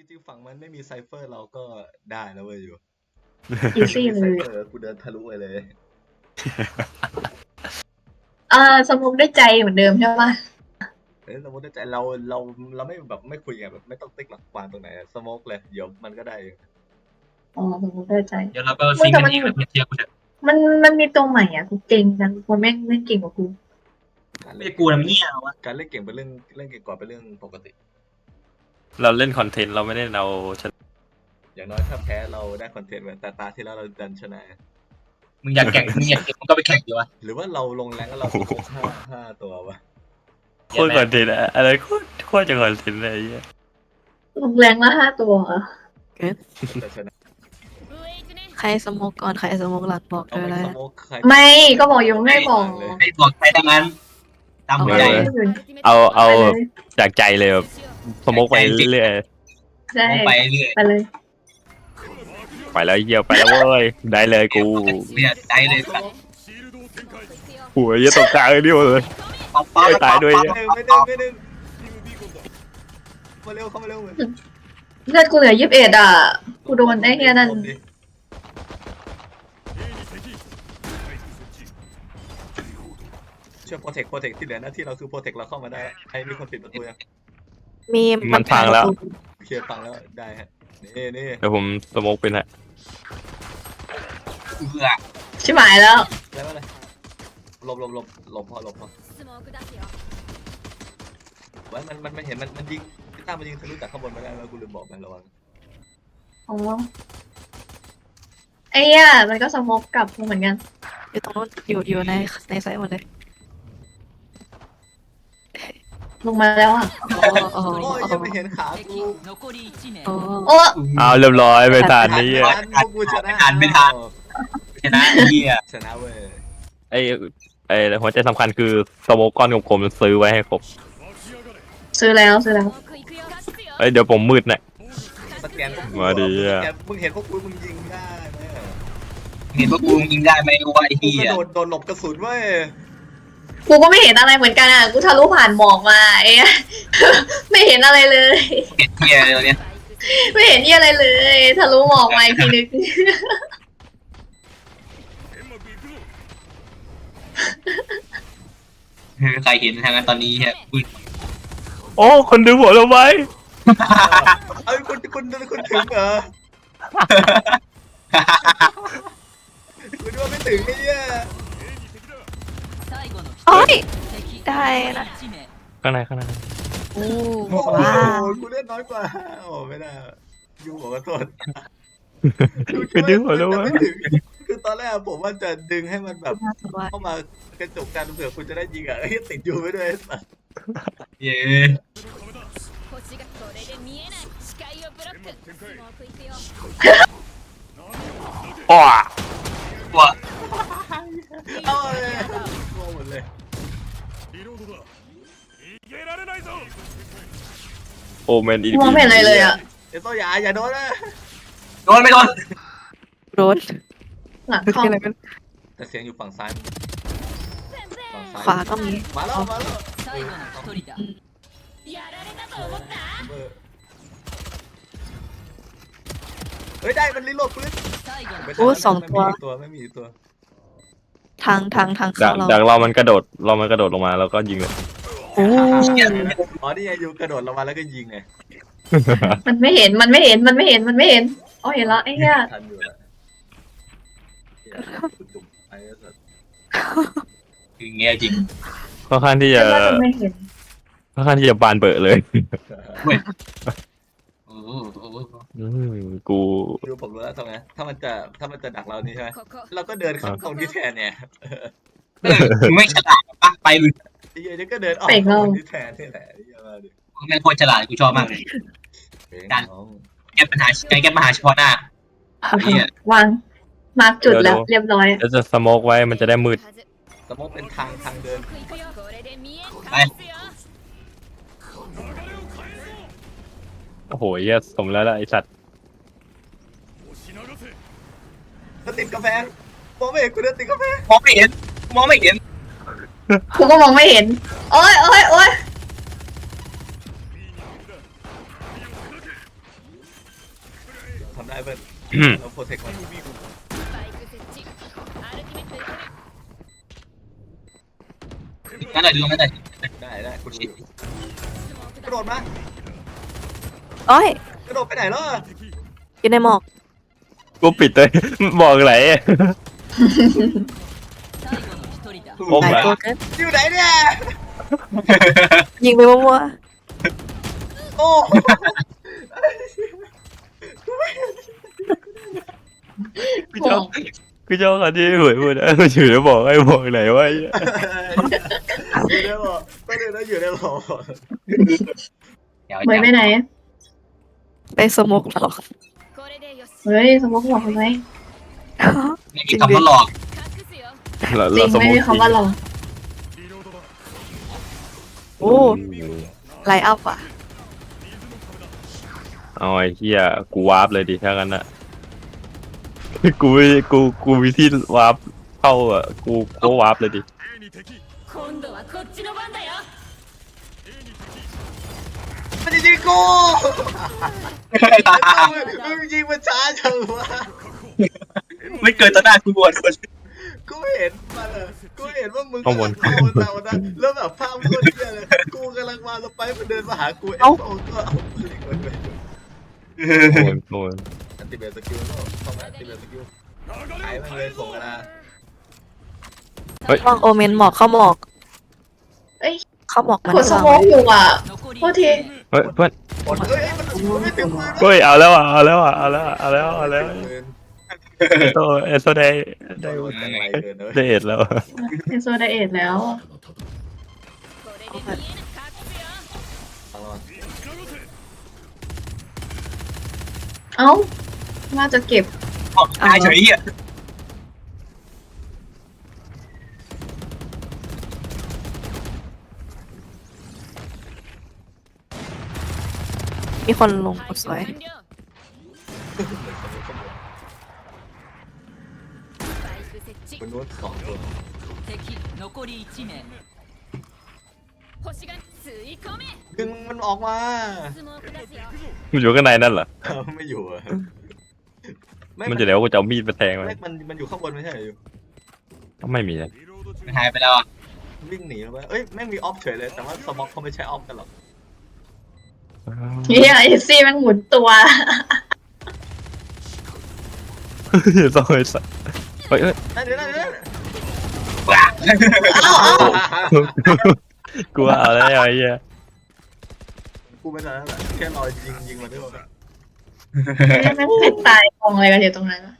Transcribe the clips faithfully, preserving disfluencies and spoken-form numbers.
ริงๆฝั่งมันไม่มีไซเฟอร์เราก็ได้นะเว้ยอยู่อีซี่ไซเลยเฟอร์กูเดินทะลุไปเลยอ่าสมุกได้ใจเหมือนเดิมใช่ปะเอ้ยสมมติว่าใจเราเราเราไม่แบบไม่คุยไงแบบไม่ต้องติ๊กหลักวางตรงไหนสโมกเลยเดี๋ยวมันก็ได้เองอ๋อสมุกได้ใจเดี๋ยวเราก็ซิงกันเองแล้วเทียบกูเถอะมันมันมีตัวใหม่อ่ะกูเก่งจังคนแม่งเล่นเก่งกว่ากูการไม่เล่นกูนะมันเงี้ยวะการเล่นเก่งเป็นเรื่องเล่นเก่งกว่าเป็นเรื่องปกติเราเล่นคอนเทนต์เราไม่ได้เราชนะอย่างน้อยถ้าแพ้เราได้คอนเทนต์แต่ตาที่แล้วเราดันชนะมึงอยากแข่งมึงอยากแข่งมึงก็ไปแข่งดีวะหรือว่าเราลงแรงแล้วเราสโมกห้าห้าตัววะโคตรคอนเทนต์อะอะไรโคตรโคตรจะคอนเทนต์เลยไอ้เหี้ยลงแรงละห้าตัวเหรอแต่ชนะใครสโมกก่อนใครสโมกหลังบอกเอาเลยไปนะสโมกใครไม่ก็บอกอยู่ไม่บอกไอ้บอกใครทั้งนั้นตามหัวใจเอาเอาไปเลยจากใจเลยแบบสโมกไปเรื่อยใช่มองไปเรื่อยไปเลยๆไปแล้วเยี่ยวไปแล้วเว้ยได้เลยกูเนี่ยได้เลยสัตว์หัวเยี่ยตกกลางเลยดิวเลยป๊อปป๊อปไม่ตายด้วยไม่ดึงไม่ดึงไม่ดึงมาเร็วเข้ามาเร็วเลยเลือดกูเหลือยี่สิบเอ็ดอ่ะกูโดนไอ้เฮียนั่นเชื่อโปรเทคโปรเทคที่เหลือหน้าที่เราคือโปรเทคเราเข้ามาได้ใครมีคนปิดประตูยังมีมันพังแล้วเคลียร์ฟังแล้วได้ฮะนี่นี่เดี๋ยวผมสโมกเป็นฮะเบื่อชิบหายแล้วแล้วอะไรหลบหลบหลบหลบพอหลบพอไว้มันมันมันเห็นมันมันยิงพี่ตั้มมันยิงทะลุจากข้างบนมาได้แล้วกูลืมบอกมันระวังอ๋อไอ้เหี้ยมันก็สโมกกลับกูเหมือนกันอยู่ตรงนู้นอยู่อยู่ในในไซต์หมดเลยลงมาแล้วอ่ะโอ้โหโอ้ยยังไม่เห็นขากูโอ้โอ้เอาเรียบร้อยไปทานนี่ไม่อ่ะทันกูชนะชนะไอ้เหี้ยชนะเว้ยไอ้ไอ้หัวใจสำคัญคือสโมกก้อนกลมๆซื้อไว้ให้ครบซื้อแล้วซื้อแล้วเอ้ยเดี๋ยวผมมืดน่ะสแกนพวกกูมาดีอะสแกนมึงเห็นพวกกูมึงยิงได้ไหมเห็นว่ากูยิงได้ไหมรู้ว่าไอ้กูเหี้กยระโดดโดนหลบกระสุนเว้ยกูก็ไม่เห็นอะไรเหมือนกันอ่ะกูทะลุผ่านหมอกมาไอ้เหี้ย ไม่เห็นอะไรเลยเห็นเหี้ยเลยเนี่ยไม่เห็นนี่อะไรเลยทะลุหมอกมาอีกทีนึงใครเห็นทางนั้นตอนนี้ฮะอุ้ยโอ้คนดูหัวเราไว้เอ้ยคุณคุณคุณถึงเหรอคุณว่าไม่ถึงไอ้เนี่ยโอ้ยได้นะข้างในข้างในโอ้โอ้โหว้าวกูเล่นน้อยกว่าโอ้ไม่ได้ยูหัวกระโดดคนดูหัวเราไว้ไม่ถึงคือตอนแรกผมว่าจะดึงให้มันแบบน่าสนใจเข้ามากระจกกันเผื่อคุณจะได้ยิงอ่ะเฮ้ยติดอยู่ไปด้วยไอ้สัสเย้อ้อว่าเอาเลยโง่หมดเลยโอเมนอีมองไม่เห็นอะไรเลยอ่ะเดี๋ยวต้องอย่าอย่าโดนนะโดนไม่โดนโรดหลังคือเข้าอะไรกันแต่เสียงอยู่ฝั่งซ้ายฝั่งซ้ายขวาก็มีมาแล้วมาแล้วเฮ้ยได้มันรีโหลดปืนโอ้สองตัวไม่มีตัวไม่มีตัวทางทางทางดัเข้าง เราดังเรามันกระโดดเรามันกระโดดลงมาแล้วก็ยิงเลยโอ้อ๋อนี่ไงอยู่กระโดดลงมาแล้วก็ยิงไงมันไม่เห็นมันไม่เห็นมันไม่เห็นมันไม่เห็นอ๋อเห็นแล้วไอ้เหี้ยทันอยู่อะเหี้ยกูจุ่มไปแล้วสัสคือเงี้ยจริงค่อนข้างที่จะแต่ว่ามันไม่เห็นค่อนข้างที่จะบานเบอะเลยโอ้โหอืมกูดูผมรู้แล้วทำไงถ้ามันจะถ้ามันจะดักเรานี่ใช่ไหมเราก็เดินเข้าตรงนี้แทนเนี่ยเออมึงไม่ฉลาดปะไปเลยไอ้เหี้ยนี่ก็เดินออกตรงนี้แทนนี่แหละไอ้เหี้ยมาดิมึงเป็นคนฉลาดกูชอบมากเลยเองน้องแก้ปัญหาการแก้ปัญหาเฉพาะหน้า เหี้ยวางมาร์กจุดแล้วเรียบร้อยแล้วจะสโมกไว้มันจะได้มืดสมมติเป็นทางทางเดินไปโอ้โหเหี้ยสมแล้วล่ะไอสัตว์ก็ติดกาแฟมองไม่เห็นกูเดินติดกาแฟมองไม่เห็นมองไม่เห็นกูก็มองไม่เห็นโอ้ยโอ้ยโอ้ยได้เพื่อนเราโปรเทคมันนั่นแหละดูนั่นแหละได้ได้คุณดูอยู่กระโดดมาโอ้ยกระโดดไปไหนล่ะอยู่ในหมอกกูปิดเลยบอกไหนโอ้หลายยตัวเกินอยู่ไหนเนี่ยยิงไปมั่วโอ้กูชอบกูชอบคำที่หวยพูดนะมันอยู่แล้วบอกไอ้บอกไหนวะอยู่ได้บอกก็เลยนะอยู่ได้บอกเดี๋ยวเฮ้ยไปไหนๆไปสโมกหรอกเฮ้ยสมมติบอกทำไมไม่มีคำว่าหลอกเราจริเรางสมไม่มมีติคำว่าลองโอ้ไลน์อัพอ่ะเอาไอ้เหี้ยกูวาร์ปเลยดิถ้างั้นอะกูไม่กูกูมีที่วาร์ปเข้าอ่ะกูก็วาร์ปเลยดิมันจะยิงกูมึงยิงมันช้าจังวะไม่เกินต่อหน้ากูบวชคนกูเห็นมันเลยกูเห็นว่ามึงข้างบนเข้ามาแล้วนะแล้วแบบภาพโคตรเหี้ยเลยกูกำลังมาสไปมันเดินมาหากูเอฟโอก็เอาปืนมันไปโอนโอนอันติเบตสกิลก็เข้ามาอันติเบตสกิลหายมันเลยส่งกันนะวางโอเมนหมอกเข้าหมอกเอ้ยเข้าหมอกมันกดสโมกอยู่อ่ะโทษทีเฮ้ยเพื่อนหมดเอ้ยมันมันไม่ถึงปืนเฮ้ยเอาแล้วอ่ะเอาแล้วอ่ะเอาแล้วอ่ะเอาแล้วเอาแล้วปืนเอโตเอโตได้ได้ได้จังไรเกินเลยได้เอ็ดแล้วเอโซไดเอทแล้ว เอ้าว่าจะเก็บตายเฉยอ่ะมีคนลงกดสวยคนนู้นสองตัว ดึงมันออกมามันอยู่ข้างในนั่นเหรอไม่อยู่อะมันจะเดี๋ยวกูจะเอามีดไปแทงมันไม่มันมันอยู่ข้างบนไม่ใช่เหรออยู่ไม่มีเลยมันหายไปแล้วอ่ะวิ่งหนีแล้วไปเอ้ยแม่งมีออฟเฉยเลยแต่ว่าสม็อกเขาไม่ใช้ออฟกันหรอกเฮียเอซี่มันหมุนตัวต้องไอ้สัสเฮ้ยเฮ้ยนั่นเดี๋ยวนั่นเดี๋ยวเอ้าเอ้ากูว่าเอาแล้วไอ้เหี้ยกูไม่ทันแล้วแหละแค่รอยิงยิงมันด้วยกันแม่งเป็นตายกองอะไรกันอยู่ตรงนั้นวะ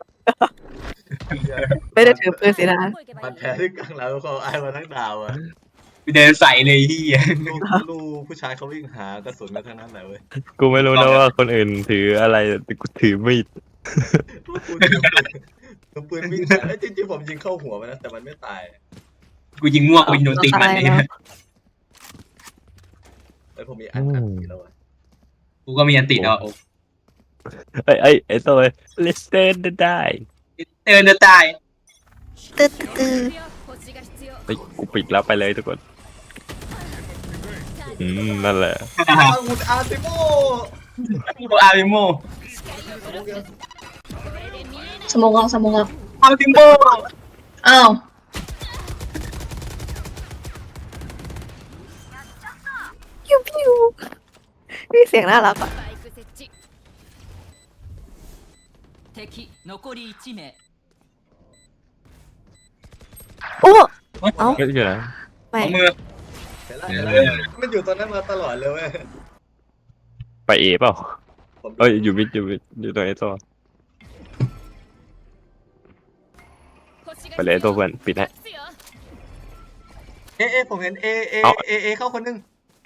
ไม่ได้ถือปืนสีดามันแพ้ที่กลางแล้วเขาไอ้มาทั้งดาวอะไปเดินใส่เลยที่ลูกลูกผู้ชายเขาวิ่งหากระสุนกันทั้งนั้นแหละเว้ยกูไม่รู้นะว่าคนอื่นถืออะไรแต่กูถือมีดกูถือปืนถือปืนวิ่งหาแล้วจริงๆผมยิงเข้าหัวมันนะแต่มันไม่ตายกูยิงมั่วกูยิงโดนตีมันเลยแต่ผมมีอันอันนี้แล้วอะกูก็มีอันติดแล้วไอ้ไอ้ไอ้ตัว let's stand the die เดินจะตายตื้อตื้อไปกูปิดแล้วไปเลยทุกคนอืมนั่นแหละอาวุธอาร์ติโมกูอาริโมสโมกเอาสโมกเอาอาริโมเอ้าพิวพิวมีเสียงน่ารักอ่ะ โอ้ เอ้าเฮ้ยอยู่ไหนไม่เอามือเห็นแล้วเห็นแล้วมันอยู่ตอนนั้นมาตลอดเลยเว้ยไปเอเปล่าผมเอ้ยอยู่มิดอยู่มิดอยู่ตรงไอ้ตัวไปเลยไอ้ตัวเพื่อนปิดให้เอะเอะผมเห็นเอเอเอาเอเอเข้าคนนึง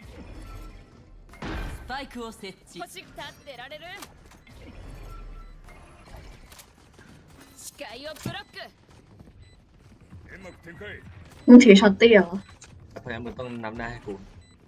มึงถือช็อตตี้เหรอเพราะงั้นมึงต้องนำหน้าให้กู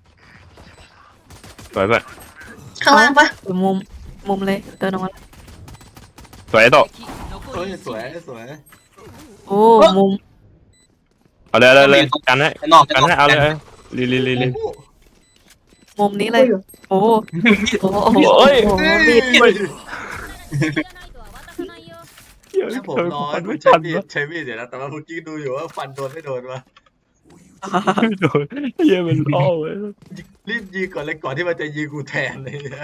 สวยเพื่อนข้างล่างปะอยู่มุม มุมเลย เดินออกมาสวยไอ้ตัวเฮ้ยสวยสวยโอ้ มุมเอาเลยเอาเลยเอาเลยกันให้นอกกันให้เอาเลยลีลีลีลีโอ้โหมุมนี้เลย โอ้ โอ้โหโอ้ยโอ้โหมีดเฮ้ยเหี้ยแล้วผมเคยรอฟันคุไม่ณใช้ทันมีดวะใช้มีดเดี๋ยวนะแต่ว่าเมื่อกี้ดูอยู่ว่าฟันโดนไม่โดนวะไม่โดนเหี้ยมันล่อเว้ยรีบยิงก่อนเลยก่อนที่มันจะยิงกูแทนเลยนะ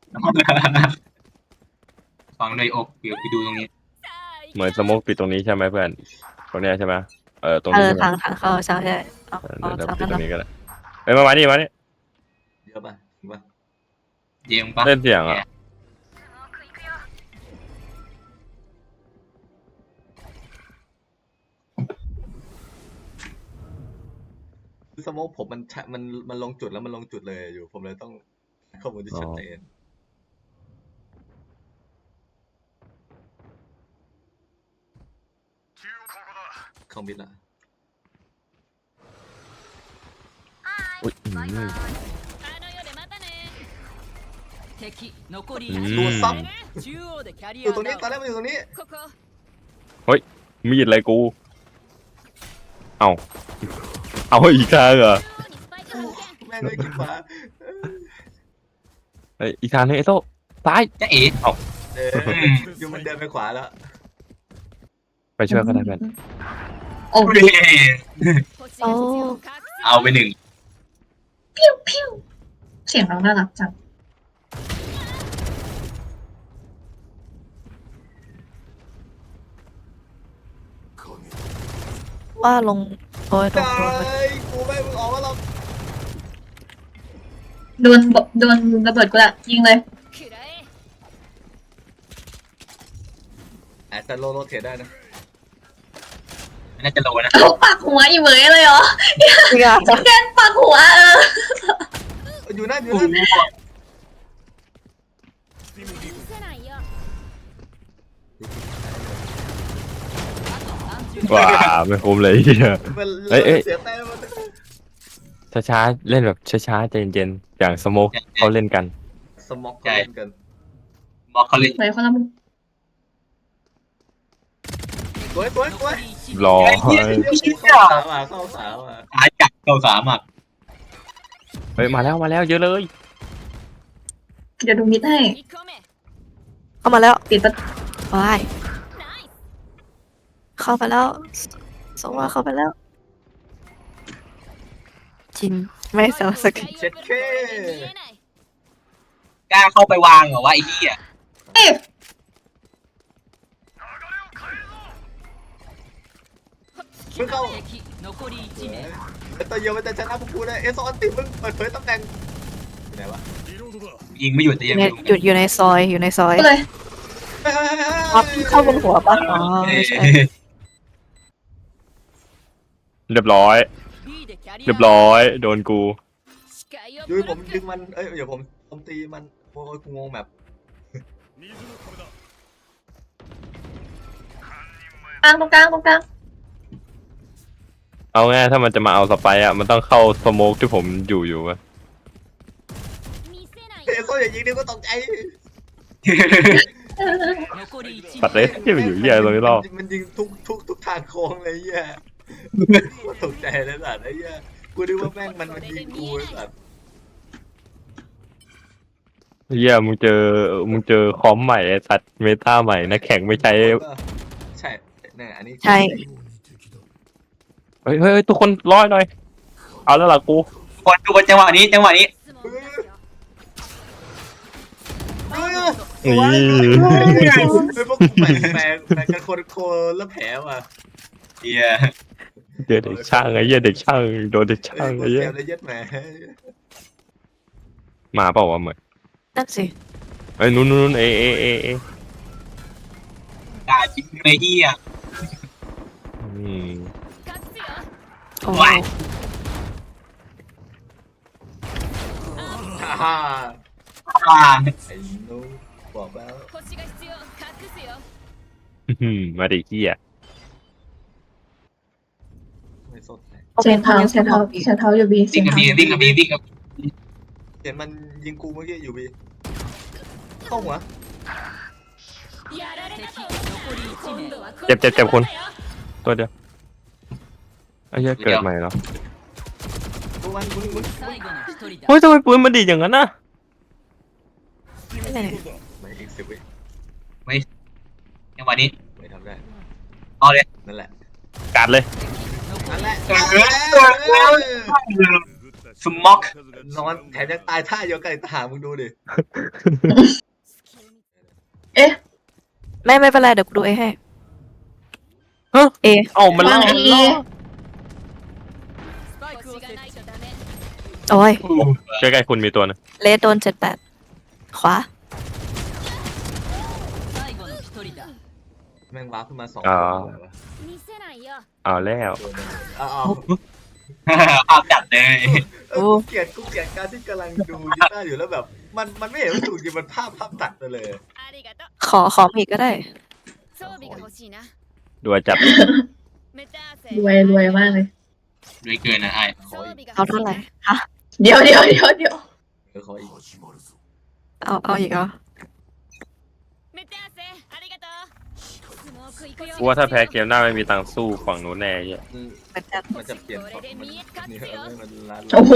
ฟังเลยอกเดี๋ยวไปดูตรงนี้เหมือนสโมกปิดตรงนี้ใช่ไหมเพื่อนตรงเนี้ยใช่ไหมเออตรงเอนี้อใช่ไหมทางทางเข้าใช่ใช่เอาเออเอาเดี๋ยวทางปิดนั้นตรเนาะงนี้ก็ได้เอ้ยมามานี่มานี่เยอะป่ะถึงป่ะเยี่ยมปะเล่นเสียงอ่ะคือสโมกผมมันชะมันมันลงจุดแล้วมันลงจุดเลยอยู่ ผมเลยต้องข้อมูลที่ชัดเจนเข้ามิดละอุ้ยอืมอืมดูซับอยู่ตรงนี้ตอนแรกมันอยู่ตรงนี้มีดอะไรกู เอาเอาอีกทางเหรอแม่งเลยกินฟ้าเฮ้ยอีกทางนึงไอ้โซ่ซ้ายจะเอ๋เอออยู่มันเดินไปขวาแล้วไปช่วยเขาได้เพื่อนโอ้โอ้เอาไปหนึ่งพิ้วพิ้วเสียงเราน่ารักจังว่าลงโอ้ยโดนตาโดนไปยกูไม่มึงออกมาหรอกโดนบโดนระเบิดกูละยิงเลยอาจจะโลโลเทได้นะน่าจะโลนะเอาปากหัวอีเหมยเลยเหรอจริงอ่ะแกนปากหัวเอออยู่นั่นอยู่โอ้นั่นโหว้าไม่คุ้มเลยเหี้ยมันเอ้ยเอ้ยเสียแต้มมันช้าๆเล่นแบบช้าๆใจเย็นๆอย่างสโมกเขาเล่นกันสมอกเขาเล่นกันบอกเขาเลยเหมยคนละมุมสวยสวยสวยรอเข้าสาวอ่ะเข้าสาวอ่ะตายจักเก้าสามอ่ะเฮ้ยมาแล้วมาแล้วเยอะเลยเดี๋ยวดูมิดให้เข้ามาแล้วปิดประตูวายเข้าไปแล้วสงว่าเข้าไปแล้ว จริงไม่เซลสักทีเช็ดเคกล้าเข้าไปวางเหรอวะไอ้เหี้ยเอ๊ะมึงเข้าไอ้ตัวเดียวมันจะชนะพวกกูได้เอสออนติมึงเปิดเผยตำแหน่งไหนวะยิงไม่หยุดแต่อยัยู่งในไม่หยุดอยู่ในซอยอยู่ในซอยก็เลยอ๋อเข้าบนหัวปะอ๋อไม่ใช่เรียบร้อย เรียบร้อยโดนกูดูผมดึงมันเอ้ยเดี๋ยวผมผมตีมันโอ้ยกูงงแบบกลางตรงกลางตรงกลางเอาง่ายถ้ามันจะมาเอาสไปร์อ่ะมันต้องเข้าสโมกที่ผมอยู่อยู่อะเอสโซอย่ายิงดิก็ตกใจปัดเลยที่มันอยู่เหี้ยตรงนี้รอบมันยิงทุกทุกทุกทางโค้งเลยเหี้ยก็ตกใจเลยสัตว์ไอ้เหี้ยกูนึกว่าแม่งมันมันยิงกูไอ้สัตว์เหี้ยมึงเจอมึงเจอคอมใหม่ไอ้สัตว์เมตาใหม่นักแข่งไม่ใช้ใช่แน่อันนี้ใช่เฮ้ยเฮ้ยเฮ้ยทุกคนร้อยหน่อย เอาแล้วล่ะกูคนดูจังหวะนี้จังหวะนี้นี่เป็นพวกแปลกแปลกแปลกกันคนโคแล้วแผลว่ะเหี้ยเจอเด็กช่างไอ้เหี้ยเด็กช่างโดนเด็กช่างไอ้ไอ้เหี้เหี้ยยเลยยัดแหมมาเปล่าวะเหมือนนั่นสิเอ้ยนู้นนู้นเอเอเอเอกาจิ้มเลยเหี้ยอืมโอ้ว้ายฮ่าฮ่าอ่าไอ้นู้บอกแล้วอืมมาดิเหี้ยไม่สดใจเซนเท้าเซนเท้าเซนเท้าอยู่บีเซวิ่งนกับเท้าบีวิ่งกับบีวิ่งกับเห็นมันยิงกูเมื่อกี้อยู่บีเข้าหัวเจ็บเจ็บเจ็บคนตัวเดียวไอ้เหี้ยเกิดใหม่แล้วกูมันมึงมึงเฮ้ยทำไมปืนมันดีดอย่างนั้นน่ะไม่ได้ไม่อีกสิบวิไม่จังหวะนี้ไม่ทำได้เอาเลยนั่นแหละกัดเลยนั่นแหละเออ สม็อกนอนแถมยังตายท่าเดียวกันอีกต่างหากมึงดูดิเอ๊ะไม่ไม่เป็นไรเดี๋ยวกูดูเอให้ฮะเอเอ้ามันวาล่างเอโอ้ยใกล้ๆคุณมีตัวนึงเลสโดนเจ็ดแปดขวาแม่งว้าร์ปขึ้นมาสองอ๋อคนเลยวะเอาแล้วตัวหนึงอ้าวภาพจัดเลยเออกูเกลียดกูเกลียดการที่กำลังดูกีตาร์อยู่แล้วแบบ มันมันไม่เห็นว่าถูกจริงมันภาพภาพตัดไปเลยขอขอมีกก็ได้ด้วยจัดรวยรวยมากเลยด้วยเกินนะไอ้ขออีกเอาเท่าไหร่ฮะเดี๋ยวเดี๋ยวเดี๋ยวเดี๋ยวเออขออีกเอาเอาอีกเหรอกูว่าถ้าแพ้เกมหน้าไม่มีตังค์สู้ฝั่งนู้นแน่เหี้ยอืมเหมือนกันมันจะเปลี่ยนฝั่งมันนี่เออมันล้านโอ้โห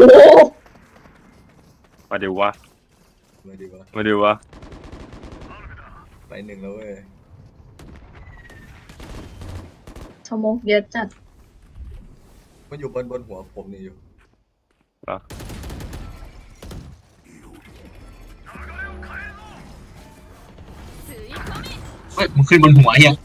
มาดูวะมาดีวะมาดูวะไปหนึ่งแล้วเว้ยสโมกเยอะจัดมันอยู่บนบนหัวผมนี่อยู่เหรอเฮ้ยมันขึ้นบนหัวเฮีย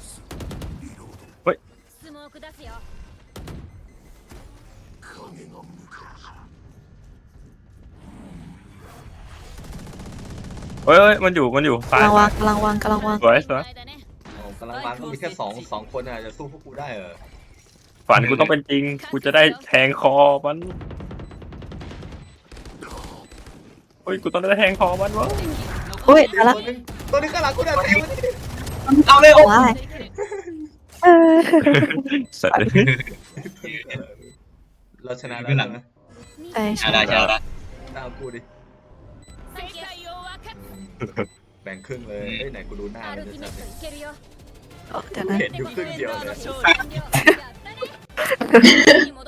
เฮ้ยเฮ้ยมันอยู่มันอยู่ซ้ายกำลังวางกำลังวางกำลังวางสวยสวยอ๋อกำลังวางก็มีแค่สองสองคนอ่ะจะสู้พวกกูได้เหรอฝันกูต้องเป็นจริง กูจะได้แทงคอมันเฮ้ยกูต้องได้แทงคอมันวะอุ้ยเดี๋ยมาว ละตัวนึงตัวนึงข้างหลังกูได้เต็มเลยเอาเลยโอ้ว้ายเออเสร็จเลยเราชนะแล้วนะใช่ชาดาชาดาตามกูดิแบ่งครึ่งเลยเอ้ยไหนกูดูหน้ามันจะจับเนี่ยเดี๋ยวนะเห็นอยู่ครึ่งเดียวเลย